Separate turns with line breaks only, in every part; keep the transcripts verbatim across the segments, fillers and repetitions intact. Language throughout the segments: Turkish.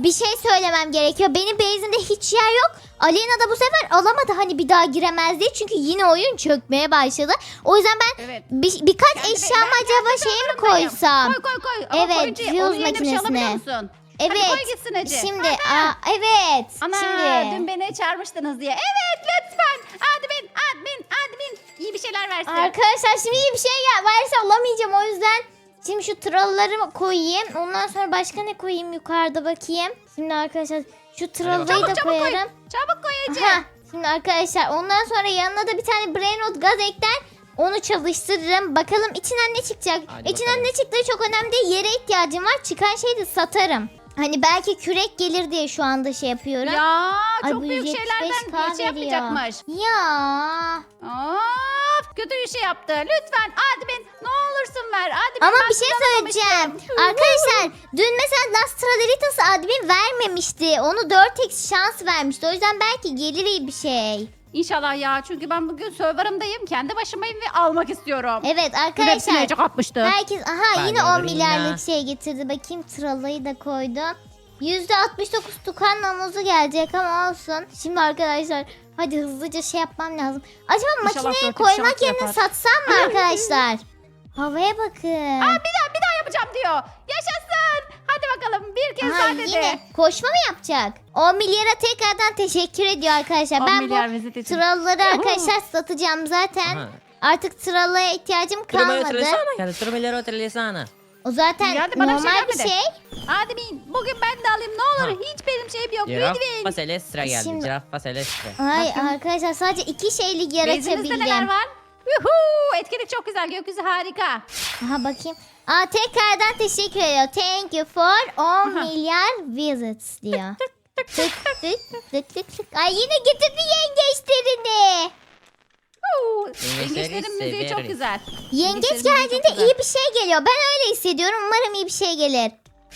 bir şey söylemem gerekiyor. Benim base'imde hiç yer yok. Aleyna da bu sefer alamadı hani bir daha giremez diye. Çünkü yine oyun çökmeye başladı. O yüzden ben
Evet.
bir, birkaç
Kendi-
eşyamı
ben
acaba
kendi
şeye mi
sınırındayım.
koysam?
Koy koy koy. Ama
Evet,
koyunca
fuse
onun yerine bir şey
makinesine.
alabiliyor musun?
Evet.
Hadi koy gitsin Ece.
Şimdi aa, evet.
Ana
Şimdi.
dün beni çağırmıştınız diye. Evet lütfen. Admin admin admin. İyi bir şeyler versin.
Arkadaşlar şimdi iyi bir şey ya varsa alamayacağım o yüzden. Şimdi şu tralları koyayım. Ondan sonra başka ne koyayım yukarıda bakayım. Şimdi arkadaşlar şu trallayı
Çabuk
da
çabuk koy.
koyarım.
Çabuk koy Ece.
Aha, şimdi arkadaşlar ondan sonra yanına da bir tane brainrot gaz ekler. Onu çalıştırırım. Bakalım içinden ne çıkacak.
Hadi
içinden
bakalım.
ne çıktığı çok önemli değil. Yere ihtiyacım var. Çıkan şeyi de satarım. Hani belki kürek gelir diye şu anda şey yapıyorum.
Ya
Ay,
çok
bu
büyük
yüz yetmiş beş
şeylerden
K
şey
veriyor.
yapmayacakmış.
Ya.
Of kötü bir şey yaptı. Lütfen admin ne olursun ver. Admin
Ama
ben
bir şey
kullanamamıştım.
söyleyeceğim. Arkadaşlar dün mesela Las Traderitas admin vermemişti. Onu dört x şans vermişti. O yüzden belki gelir iyi bir şey.
İnşallah ya çünkü ben bugün serverımdayım. Kendi başımayım ve almak istiyorum.
Evet
Hepsini
arkadaşlar.
Ece kapmıştı.
Herkes aha
Ben
yine on
alırım
milyarlık
ya.
şey getirdi. Bakayım tralayı da koydum. yüzde altmış dokuz tukan namuzu gelecek ama olsun. Şimdi arkadaşlar hadi hızlıca şey yapmam lazım. Acaba
İnşallah
makineye
dört x
koymak
şans
yerine
yapar.
satsam mı arkadaşlar? Havaya bakın.
Aa, bir daha bir daha yapacağım diyor. Yaşasın. Hadi bakalım bir kez
Aha,
daha dedi.
yine koşma mı yapacak? on milyara tekrardan teşekkür ediyor arkadaşlar.
on
Ben bu
milyar vezet için.
tralları
Yuhu.
arkadaşlar satacağım zaten.
Aha.
Artık trallaya ihtiyacım
Trumelo
kalmadı.
Trelisana geldi. Trumelo Trelisana.
O zaten
Ya hadi bana bir şey
normal bir
gelmedi.
şey.
Admin bugün ben de alayım ne olur.
Ha.
Hiç benim şeyim yok.
Giraffa
Lütfen.
Celestra geldi.
Şimdi-
Giraffa Celestra.
Ay
Bakın.
arkadaşlar sadece iki şeylik
Bezinizde neler
yaratabildim.
var? Yuhuu, etkinlik çok güzel. Gökyüzü harika.
Aha bakayım. Aa tekrardan teşekkür ediyor. Thank you for on
Aha.
milyar visits diyor. tık tık tık tık tık. Ay yine getirdi yengeçlerini.
Huu,
Yengeçleri
Yengeçlerin müziği çok
severiz.
güzel.
Yengeç
Yengeçlerin müziği çok
geldiğinde
güzel.
iyi bir şey geliyor. Ben öyle hissediyorum. Umarım iyi bir şey gelir.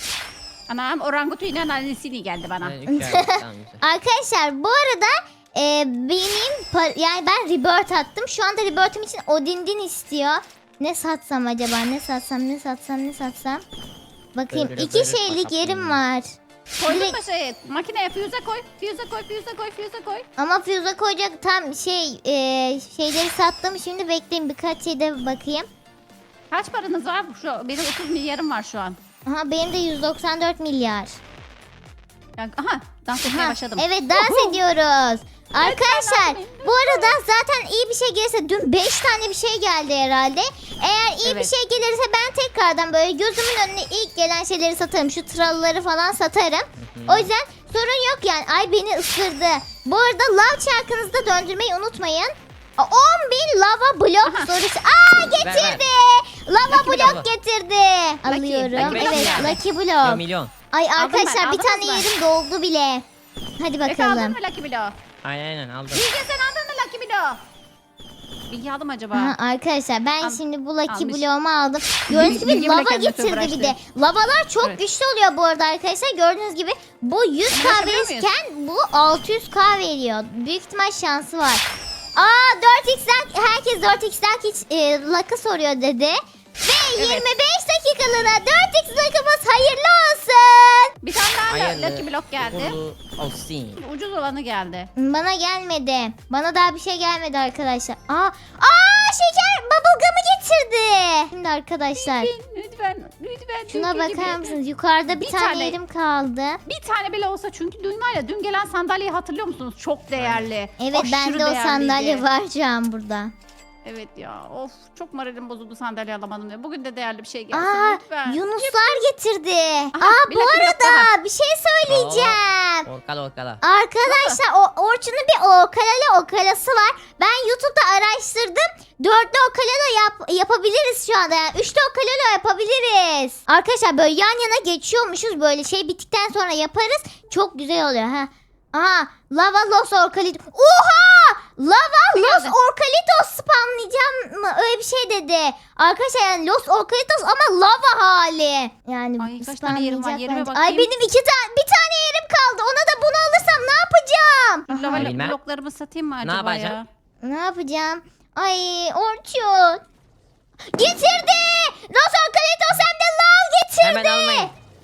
Anam orangutuyla annesini geldi bana.
Evet, üç ay, tamam, güzel.
Arkadaşlar bu arada e, benim par- yani ben rebirth attım. Şu anda rebirth'im için Odindin istiyor. Ne satsam acaba? Ne satsam? Ne satsam? Ne satsam? Bakayım.
Böyle
iki
böyle
şeylik
bakalım.
yerim var.
Koydun
Direkt-
mu şey? Makineye füze koy. Füze koy, füze koy, füze koy.
Ama füze koyacak tam şey e, şeyleri sattım. Şimdi bekleyin birkaç şeyde bakayım.
Kaç paranız var? Şu, benim otuz milyarım var şu an.
Aha benim de yüz doksan dört milyar.
Yani, aha dans etmeye
Ha,
başladım.
evet dans
Uhu.
ediyoruz. Arkadaşlar
abi,
bu arada zaten iyi bir şey gelirse dün beş tane bir şey geldi herhalde. Eğer iyi bir
Evet.
şey gelirse ben tekrardan böyle gözümün önüne ilk gelen şeyleri satarım. Şu tralları falan satarım. O yüzden sorun yok yani. Ay beni ısırdı. Bu arada lav çarkınızı da döndürmeyi unutmayın. Aa, on bin lava blok
Aha.
sorusu. Aa getirdi. Lava
Lucky
blok
blok.
getirdi. Alıyorum.
Lucky blok
Evet
yani.
Lucky
Bir
blok.
milyon.
Ay
ben,
arkadaşlar bir
aldınız
tane
mı?
yerim doldu bile. Hadi
Efe aldın
bakalım.
mı Lucky Blow?
Aynen aynen aldım.
Bilge sen aldın mı Lucky Blow? Bilgi aldım acaba?
Aha, arkadaşlar ben
Al-
şimdi bu Lucky
almış.
Bloğumu aldım. Gördüğünüz gibi
Bilgi bile
lava
kendine
getirdi bir
uğraştı.
de. Lavalar çok
Evet.
güçlü oluyor bu arada arkadaşlar. Gördüğünüz gibi bu yüz K
ulaşabiliyor
verirken bu altı yüz K veriyor. Büyük ihtimal şansı var. Aa dört x'den herkes dört x'den hiç e, luck'ı soruyor dedi. Ve
Evet.
yirmi beş dakikalığına dört x luck'ımız hayırlı olsun.
Bir tane daha
Hayırlı,
Lucky Block geldi.
uğurlu olsun.
Ucuz olanı geldi.
Bana gelmedi. Bana daha bir şey gelmedi arkadaşlar. Aa, aa şeker bubblegum'ı getirdi. Şimdi arkadaşlar
Lütfen, lütfen, lütfen.
şuna
Türkiye gibi.
bakar mısınız? Yukarıda bir,
Bir
tane,
tane.
yerim kaldı.
Bir tane bile olsa çünkü dün var ya dün gelen sandalyeyi hatırlıyor musunuz? Çok değerli.
Evet
Aşırı
bende o
değerliydi.
sandalye var şu an burada.
Evet ya of çok moralim bozuldu sandalye alamadım diye. Bugün de değerli bir şey gelsin
Aa
lütfen.
Yunuslar getirdi.
Aha,
Aa
bir
bu
dakika, bir dakika.
arada bir şey söyleyeceğim.
Orkala orkala.
Arkadaşlar o Orçun'un bir okalalı okalası var. Ben YouTube'da araştırdım. Dörtlü okala da yap, yapabiliriz şu anda. Yani üçlü okala da yapabiliriz. Arkadaşlar böyle yan yana geçiyormuşuz. Böyle şey bittikten sonra yaparız. Çok güzel oluyor ha. Aha lava los orkalit. Oha! Lava los
geldi?
orkalitos spamlayacağım mı? Öyle bir şey dedi. Arkadaşlar yani los orkalitos ama lava hali. Yani
Ay, kaç tane yerim var?
spamlayacak
Yerime
bence.
bakayım.
Ay benim iki tane bir tane yerim kaldı. Ona da bunu alırsam ne yapacağım?
Lava
Bilmem.
bloklarımı satayım mı
Ne
acaba ya?
yapacaksın?
Ne yapacağım? Ay Orçun. Getirdi. Los orkalitos hem de lav getirdi.
Hemen almayın.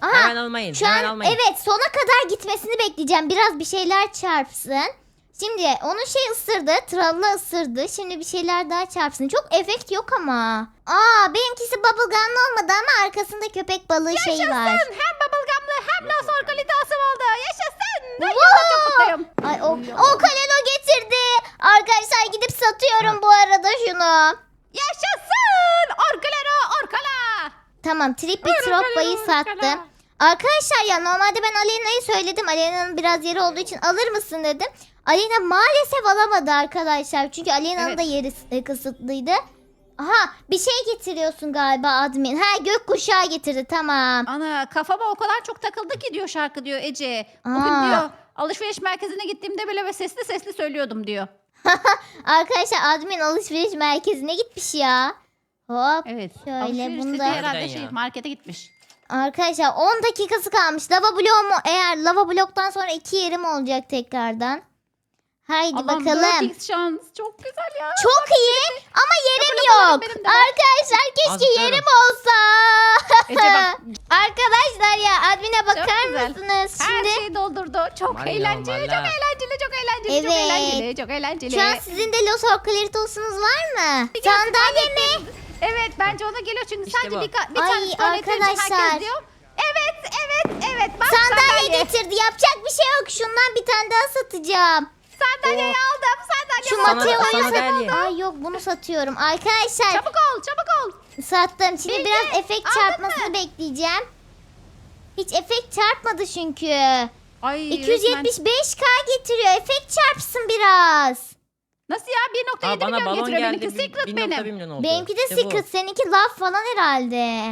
Aha,
Hemen almayın.
Şu
hemen
an
almayın.
evet sona kadar gitmesini bekleyeceğim. Biraz bir şeyler çarpsın. Şimdi onun şey ısırdı. Tralla ısırdı. Şimdi bir şeyler daha çarpsın. Çok efekt yok ama. Aa benimkisi bubblegum'lı olmadı ama arkasında köpek balığı şeyi var.
Yaşasın. Hem bubblegum'lı hem Los Orcalitas'ım oldu. Yaşasın. Ay,
Wow!
çok mutluyum.
Ay o, o kalelo getirdi. Arkadaşlar gidip satıyorum bu arada şunu.
Yaşasın. Orkalero orkala.
Tamam Trippy
Buyurun,
Troppa'yı
buyurun,
sattım.
buyurun.
Arkadaşlar ya normalde ben Aleyna'yı söyledim. Aleyna'nın biraz yeri olduğu için alır mısın dedim. Aleyna maalesef alamadı arkadaşlar. Çünkü Aleyna'nın
Evet.
da yeri e, kısıtlıydı. Aha bir şey getiriyorsun galiba admin. Ha gökkuşağı getirdi tamam.
Ana kafama o kadar çok takıldı ki diyor şarkı diyor Ece. Bugün
Aa.
diyor alışveriş merkezine gittiğimde bile ve sesli sesli söylüyordum diyor.
Arkadaşlar admin alışveriş merkezine gitmiş ya. Hop.
Evet.
Şöyle
alışveriş
bunu
dediği
da-
herhalde
Harbiden
şey
ya.
markete gitmiş.
Arkadaşlar on dakikası kalmış. Lava bloğu mu? Eğer lava bloktan sonra iki yerim olacak tekrardan. Haydi
Allah'ım
bakalım.
dört x şans çok güzel ya.
Çok iyi ama yerim
Yapılarım
yok.
benim de var.
Arkadaşlar keşke
Azıcık
yerim
diyorum.
olsa.
Ece bak
Arkadaşlar ya admine bakar
güzel.
mısınız?
her
Şimdi
şeyi doldurdu. Çok
Valla,
eğlenceli, çok
valla.
eğlenceli, çok eğlenceli, çok
Evet.
eğlenceli, çok eğlenceli.
şu an sizin de Los Orcalitos'unuz var mı? Sandalye mi?
Evet bence ona geliyor çünkü
İşte
sadece
bu.
bir, ka- bir
Ay,
tane tuvalet için
arkadaşlar.
herkes diyor. Evet, evet, evet. Bak
Sandalye getirdi. Yapacak bir şey yok. Şundan bir tane daha satacağım.
Sandalyeyi aldım, sandalye
Şu
Sana-
Mateo'yu
sana
sat.
geldi.
Ay yok bunu satıyorum. Arkadaşlar
Çabuk ol, çabuk ol.
sattım. Şimdi
Bilge,
biraz efekt
aldın
çarpmasını
mı?
bekleyeceğim. Hiç efekt çarpmadı çünkü.
Ay
iki yüz yetmiş beş K getiriyor. Efekt çarpsın biraz.
Nasıl ya? bir nokta
Aa,
yedi
bana
milyon
balon
getiriyor
geldi.
benimki. Secret
bir nokta bir
benim.
milyon oldu.
Benimki de
İşte bu.
secret. Seninki laf falan herhalde.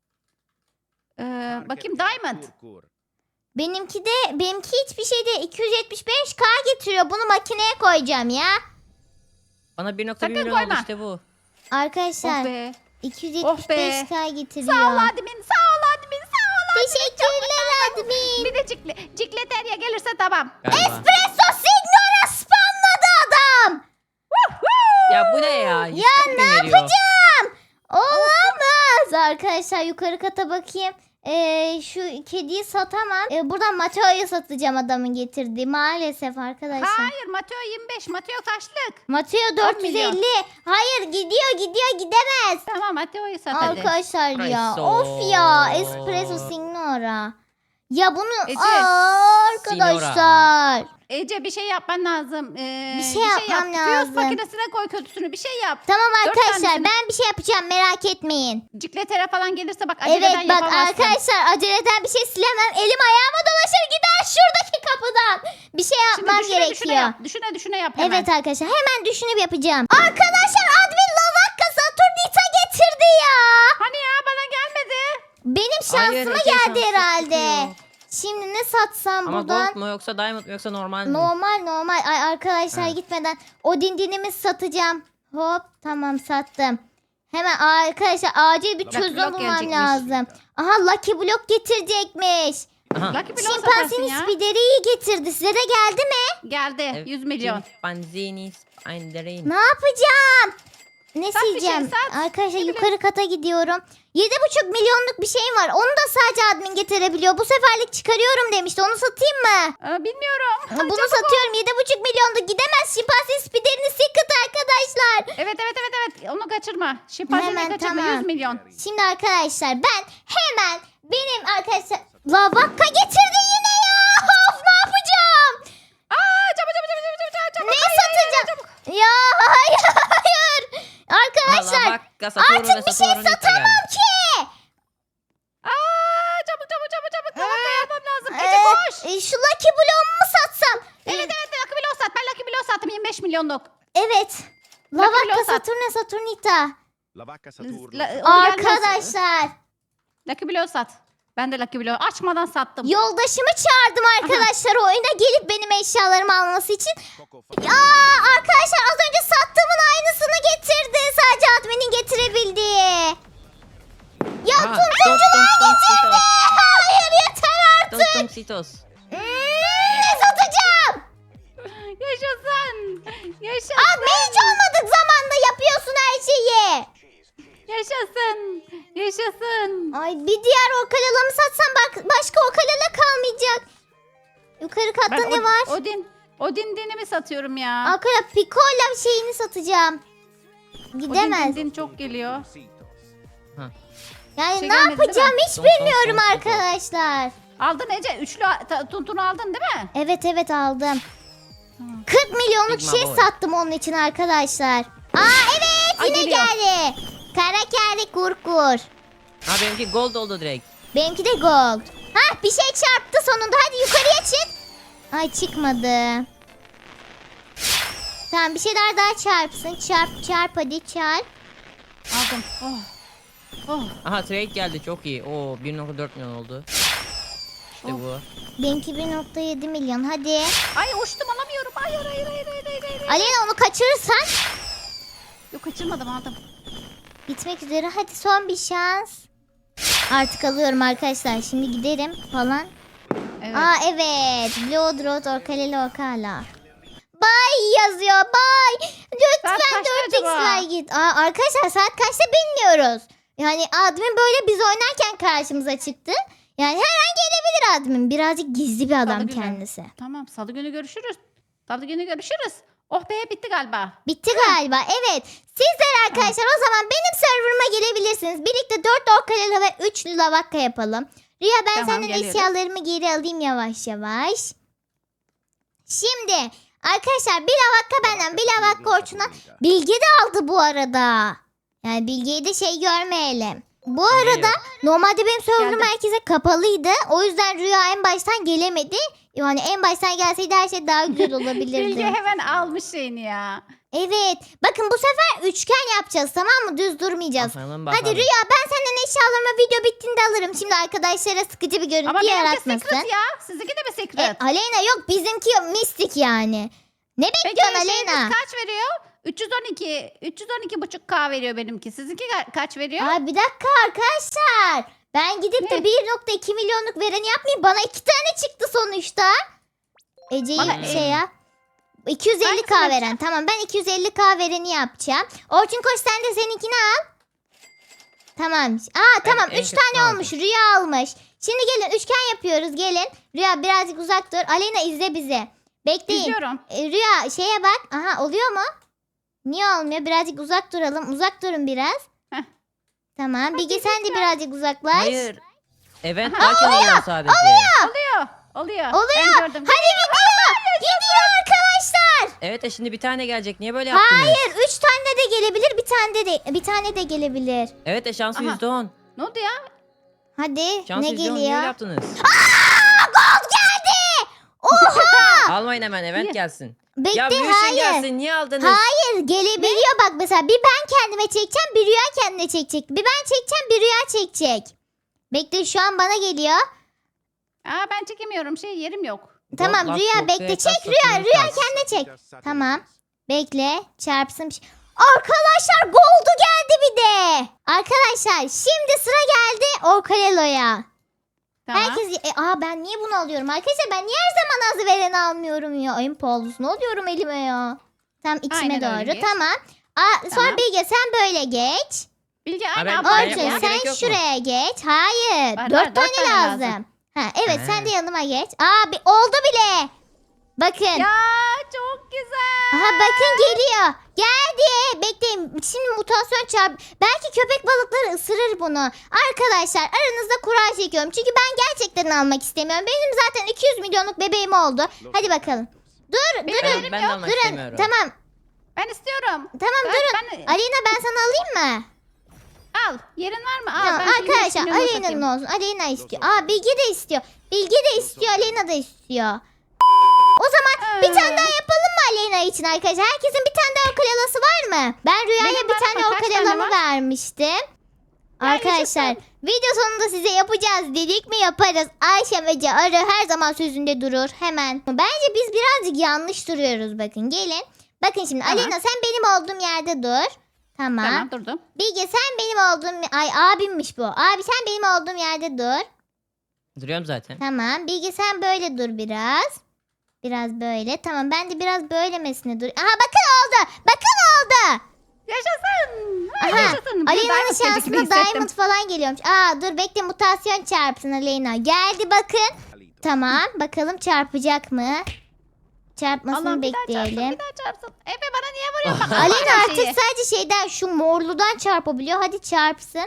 Ee, bakayım Diamond.
Benimki de benimki hiçbir şey değil. iki yüz yetmiş beş K getiriyor. Bunu makineye koyacağım ya.
Bana bir nokta bir
Sakın
milyon oldu
koyma.
işte bu.
Arkadaşlar
Oh be.
iki yüz yetmiş beş K getiriyor.
Sağ ol admin, sağ ol admin, sağ ol admin.
Teşekkürler admin.
Bir de cikle, cikleterya gelirse tamam.
Galiba.
Espresso Signora spamladı adam.
Ya bu ne ya?
Ya ne yapacağım? Olamaz. Arkadaşlar yukarı kata bakayım. Ee, şu kediyi satamam. Ee, buradan Mateo'yu satacağım adamın getirdiği. Maalesef arkadaşlar.
Hayır Mateo yirmi beş, Mateo kaçlık?
Mateo dört yüz elli. Hayır gidiyor gidiyor gidemez.
Tamam Mateo'yu sat hadi.
Arkadaşlar ya.
Espresso.
Of ya. Espresso Signora. Ya bunu
Ece.
Aa, arkadaşlar.
Ece bir şey yapman lazım. Ee,
Bir şey yapmam
yap.
lazım.
Fuse makinesine koy kötüsünü bir şey yap.
Tamam
Dört
arkadaşlar
tanesini-
ben bir şey yapacağım merak etmeyin.
Cikletere falan gelirse bak aceleden
Evet bak
yapamazsın.
arkadaşlar aceleden bir şey silemem. Elim ayağıma dolaşır gider şuradaki kapıdan. Bir şey
Şimdi
yapmam
düşüne
gerekiyor.
düşüne yap. Düşüne düşüne yap hemen.
Evet arkadaşlar hemen düşünüp yapacağım. Arkadaşlar admin Lavakka Saturnita getirdi ya.
Hani ya bana gelmedi.
Benim
Hayır,
şansıma
Ece,
geldi
şanssız
herhalde.
çıkıyor.
Şimdi ne satsam
Ama
buradan?
gold mu yoksa diamond mu yoksa normal mi?
Normal normal. Ay arkadaşlar
Ha.
gitmeden o dindinimi satacağım. Hop tamam sattım. Hemen arkadaşlar acil bir
Lucky
çözüm
Block
bulmam
gelecekmiş.
lazım. Aha Lucky Block getirecekmiş.
Aha.
Lucky Block satarsın
Şimpanzini
ya.
spideriyi getirdi. Size de geldi mi?
Geldi. yüz milyon.
Panzini Spinderin.
Ne yapacağım? Ne
Sat bir şey,
sileceğim?
sat.
Arkadaşlar
Ne
yukarı kata gidiyorum. Yedi buçuk milyonluk bir şey var. Onu da sadece admin getirebiliyor. Bu seferlik çıkarıyorum demişti. Onu satayım mı?
Aa, bilmiyorum.
Bunu
Çabuk ol.
satıyorum. Yedi buçuk milyonluk gidemez. Şimpanzini spiderini secret arkadaşlar.
Evet evet evet evet. Onu kaçırma. Şimpanzini
Hemen,
kaçırma.
tamam.
yüz milyon.
Şimdi arkadaşlar ben hemen benim arkadaşlar Lavakka getirdi yine ya. Of ne yapacağım?
Aa çabuk çabuk çabuk çabuk çabuk çabuk.
Ne
Hayır, hayır, hayır,
satacağım?
çabuk.
Ya hayır hayır. Arkadaşlar artık bir şey satamam ki.
Aa çabuk çabuk çabuk çabuk. Tamam da yapmam lazım.
Ee,
Ece koş.
e, şu Lucky Block'u mu satsam?
Evet evet Lucky Block sat. Ben Lucky Block sattım yirmi beş milyonluk.
Evet.
Lucky
Lavakka
Block sat.
Saturn'a Saturnita.
La vacca Saturno.
La- o gelmez.
Arkadaşlar
Lucky Block sat. Ben de Lucky Block açmadan sattım.
yoldaşımı çağırdım arkadaşlar oyuna gelip benim eşyalarımı alması için.
Coco
Ya arkadaşlar az önce sattığımın aynısını getirdi. Sadece adminin getirebildiği. Ya
Aa,
tuntumcular
tung, tung, tung,
getirdi. Hayır yeter
Tung
artık.
tung sitos.
Hmm, ne satacağım?
Yaşasın. Yaşasın.
Admin hiç olmadık zamanda yapıyorsun her şeyi.
Yaşasın. Yaşasın.
Ay bir diğer okalamı satsam bak başka okalala kalmayacak. Yukarı katta
Ben
ne
Od-
var?
Odin. Odin dinimi satıyorum ya.
Arkadaşlar Pikola şeyini satacağım. Gidemez.
Odin din çok geliyor.
Yani
Şey
ne
gelmedi, değil
yapacağım
mi?
hiç
Son, son,
bilmiyorum
son, son, son.
arkadaşlar.
Aldın Ece. Üçlü ta- tuntunu aldın değil mi?
Evet evet aldım.
Tamam.
kırk milyonluk
Sigma
şey
boy.
sattım onun için arkadaşlar. Aa evet
Ay,
yine
geliyor.
geldi. Kara kere kurkur.
Ha benimki gold oldu direkt.
Benimki de gold. Hah bir şey çarptı sonunda. Hadi yukarıya çık. Ay çıkmadı. Tamam bir şeyler daha çarpsın. Çarp çarp hadi çarp.
Aldım. Oh. Oh.
Aha trade geldi çok iyi. Oo bir nokta dört milyon oldu. İşte
Oh.
bu.
Benimki bir nokta yedi milyon hadi.
Ay uçtum alamıyorum. Hayır hayır hayır hayır hayır. hayır.
Alena onu kaçırırsan
Yok kaçırmadım aldım.
bitmek üzere. Hadi son bir şans. Artık alıyorum arkadaşlar. Şimdi giderim falan.
Evet.
Aa evet. Blood Road Orkaleli Orkala. Bay yazıyor. Bay. Lütfen
Saat kaçta
dört
acaba?
x'ler git. Aa, arkadaşlar saat kaçta bilmiyoruz. Yani admin böyle biz oynarken karşımıza çıktı. Yani her an gelebilir admin. Birazcık gizli bir adam
Salı günü.
kendisi.
Tamam salı günü görüşürüz. Salı günü görüşürüz. Oh be bitti galiba.
Bitti galiba. Evet. Sizler arkadaşlar o zaman benim serverıma gelebilirsiniz. Birlikte dört orkaleli ve üç lavakka yapalım. Rüya ben
Tamam,
senden
geliyoruz.
eşyalarımı geri alayım yavaş yavaş. Şimdi arkadaşlar bir lavakka benden bir lavakka Orçun'dan. Bilge de aldı bu arada. Yani Bilge'yi de şey görmeyelim. Bu arada normalde benim serverım
Geldim.
herkese kapalıydı. O yüzden Rüya en baştan gelemedi. Yani en baştan gelseydi her şey daha güzel olabilirdi.
Bilge hemen almış şeyini ya.
Evet. Bakın bu sefer üçgen yapacağız tamam mı? Düz durmayacağız.
Bakalım,
Hadi
bakalım.
Rüya ben senden eşyalarımı video bittiğinde alırım. Şimdi arkadaşlara sıkıcı bir görüntü
Ama benimki
yaratmasın.
secret ya. Sizinki de mi
E,
secret?
Aleyna yok bizimki mistik yani. Ne
Peki
bekliyorsun
şeyiniz
Aleyna?
kaç veriyor? üç yüz on iki. üç yüz on iki buçuk K veriyor benimki. Sizinki ka- kaç veriyor?
Ay bir dakika arkadaşlar. Ben gidip de
Ne?
bir nokta iki milyonluk vereni yapmayayım. Bana iki tane çıktı sonuçta. Ece'yi
Bana,
şey
e,
yap. iki yüz elli K
hangisini
veren. Tamam ben iki yüz elli K vereni yapacağım. Orçun koş sen de seninkini al. Tamam. Aa
Ben
tamam
en
üç
kötüsünü
tane
aldım.
olmuş. Rüya almış. Şimdi gelin üçgen yapıyoruz gelin. Rüya birazcık uzak dur. Aleyna izle bizi. Bekleyin.
İzliyorum.
E, Rüya şeye bak. Aha oluyor mu? Niye olmuyor? Birazcık uzak duralım. Uzak durun biraz.
Heh.
Tamam. Bilge sen de
lütfen.
birazcık uzaklaş.
Hayır. Event
Aha,
varken oluyor sadece.
Oluyor. Oluyor.
Oluyor.
Ben gördüm.
Hadi gidiyor. Gidiyor arkadaşlar.
Evet de şimdi bir tane gelecek. Niye böyle yaptınız?
Hayır. Üç tane de gelebilir. Bir tane de, de bir tane de gelebilir.
Evet de şansı
Aha.
yüzde on.
Ne oldu ya?
Hadi.
Şansı
ne
yüzde on. Niye
geliyor?
öyle yaptınız?
Aa, gold geldi. Oha.
Almayın hemen event
Niye?
gelsin.
Bekle
Ya Lucian
hayır.
gelsin. Niye aldınız?
Hayır gelebiliyor bak mesela bir ben kendime çekeceğim bir Rüya kendine çekecek. Bir ben çekeceğim bir Rüya çekecek. Bekle şu an bana geliyor.
Aa ben çekemiyorum. Şey yerim yok.
Tamam
Gold,
Rüya
Last
bekle
Gold,
çek
Last
Rüya
Gold,
Rüya
Last
kendine çek. Tamam bekle çarpsın. bir şey- Arkadaşlar goldu geldi bir de. Arkadaşlar şimdi sıra geldi Orkalelo'ya.
Tamam.
Herkes e, aa ben niye bunu alıyorum arkadaşlar ben niye her zaman az vereni almıyorum ya. En pahalısını alıyorum elime ya. Tam içime
Aynen öyle
doğru
geç.
tamam. Aa, sonra
Tamam.
Bilge sen böyle geç.
Bilge
Ha,
aynı
ben-
abla.
ben
Orçun
yapmama
sen
gerek yok mu?
şuraya geç. Hayır.
Var,
dört
var,
tane,
dört tane
lazım.
lazım.
Ha, evet
Ha.
sen de yanıma geç. Aa bir, oldu bile. Bakın.
Ya çok güzel.
Aha bakın geliyor. Geldi. Bekleyin. Şimdi mutasyon çarp. Belki köpek balıkları ısırır bunu. Arkadaşlar aranızda kura çekiyorum. Çünkü ben gerçekten almak istemiyorum. Benim zaten iki yüz milyonluk bebeğim oldu. Hadi bakalım. Dur
Benim
durun.
elim
Ben de
yok.
almak
Durun.
istemiyorum.
Tamam.
Ben istiyorum.
Tamam
Ben-
durun.
ben-
Aleyna ben sana alayım mı?
Al. Yerin var mı? Al.
Tamam,
ben şimdi
arkadaşlar
şimdi
Aleyna'nın
satayım.
olsun. Aleyna istiyor. Aa Bilge de istiyor. Bilge de istiyor. Aleyna da istiyor. O zaman bir tane daha yapalım mı Aleyna için arkadaşlar? Herkesin bir tane daha okalelası var mı? Ben Rüya'ya
Benim
bir
var
tane
ama kaç tane
okalemamı
var?
vermiştim.
Ya
Arkadaşlar
yaşasın.
video sonunda size yapacağız dedik mi yaparız. Ayşe ve Arı her zaman sözünde durur hemen. Bence biz birazcık yanlış duruyoruz bakın gelin. Bakın şimdi
Tamam.
Aleyna sen benim olduğum yerde dur. Tamam.
Tamam durdum.
Bilge sen benim olduğum... Ay abimmiş bu. Abi sen benim olduğum yerde dur.
Duruyorum zaten.
Tamam. Bilge sen böyle dur biraz. Biraz böyle. Tamam ben de biraz böylemesine dur. Aha bakın oldu. Bakın oldu.
Yaşasın. Ay,
Aha.
yaşasın. Bir
Aleyna'nın
diamond gelecek gibi
şansına
hissettim.
diamond falan geliyormuş. Aa dur bekle, mutasyon çarpsın Aleyna. Geldi bakın. Tamam bakalım çarpacak mı? Çarpmasını
Allah'ım bir daha çarpsın,
bekleyelim.
bir daha çarpsın. Efe bana niye vuruyorsun? Bak,
Aleyna
her
artık
şeyi.
sadece şeyden, şu morludan çarpabiliyor. Hadi çarpsın.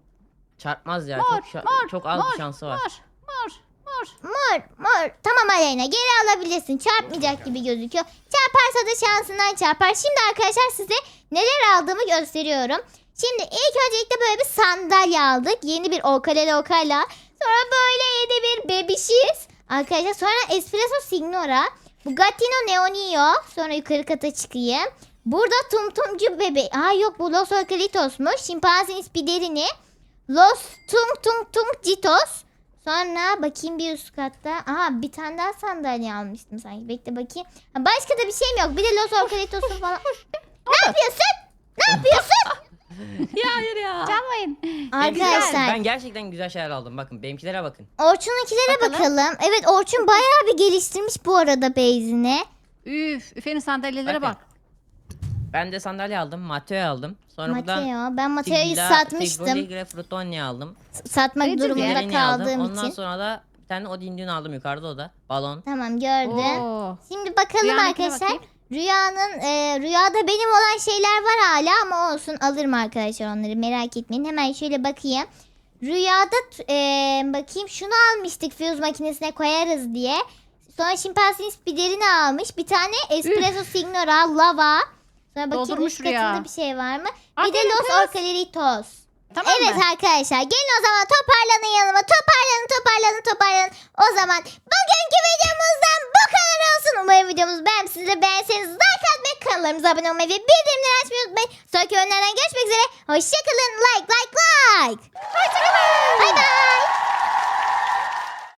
Çarpmaz ya.
Mor,
çok şa-
mor,
çok az
mor,
bir şansı var.
Mor, mor, mor.
Mor mor. Tamam Aleyna, geri alabilirsin. Çarpmayacak gibi gözüküyor. Çarparsa da şansından çarpar. Şimdi arkadaşlar size neler aldığımı gösteriyorum. Şimdi ilk öncelikle böyle bir sandalye aldık. Yeni bir Okalele Okala. Sonra böyle yeni bir bebişiz. Arkadaşlar sonra Espresso Signora. Bugattino Neonio. Sonra yukarı kata çıkayım. Burada Tum Tumcu bebe. Aa yok, bu Los Orcalitos'muş. Şimpanzin Spiderini. Los Tung Tung Tung Citos. Sonra bakayım bir üst katta. Aha bir tane daha sandalye almıştım sanki. Bekle bakayım. Ha, başka da bir şeyim yok. Bir de Los Orcalitos'un falan. Ne yapıyorsun? Ne yapıyorsun?
Ya hayır ya.
Çalmayın.
Arkadaşlar
Ben gerçekten güzel şeyler aldım. Bakın benimkilere bakın.
Orçun'unkilere
Bakalım.
bakalım. Evet Orçun bayağı bir geliştirmiş bu arada base'ini.
Üf, Üfe'nin sandalyelere
Bakın.
bak.
Ben de sandalye aldım. Mateo aldım. Sonra buradan
Mateo. Ben Mateo'yu
Sigla-
satmıştım.
Sigla Frutonia aldım.
Satmak
Nedir
durumunda
ya?
Diğerini aldım.
kaldığım
Ondan
için.
sonra da bir tane Odin Dune aldım yukarıda, o da. Balon.
Tamam gördüm.
Oo.
Şimdi bakalım
Rüyanınkine
arkadaşlar.
bakayım.
Rüyanın e, rüyada benim olan şeyler var hala ama olsun, alırım arkadaşlar onları, merak etmeyin. Hemen şöyle bakayım. Rüyada t- e, bakayım şunu almıştık, fuse makinesine koyarız diye. Sonra şimpanzin spiderini almış. Bir tane Espresso Signora lava. Sonra bakayım
Doldurmuş
üst
rüya.
katında bir şey var mı?
Aa,
Bir de
gelin
Los
kız.
Orcalitos.
Tamam
Evet
mı?
arkadaşlar gelin o zaman, toparlanın yanıma, toparlanın toparlanın toparlanın. O zaman bugünkü videomuzdan bu kadar olsun. Umarım videomuzu beğenmişsinizdir. Beğenseniz like atmayı, kanallarımıza abone olmayı ve bildirimleri açmayı unutmayın. Sonraki önlerden görüşmek üzere. Hoşçakalın. Like like like.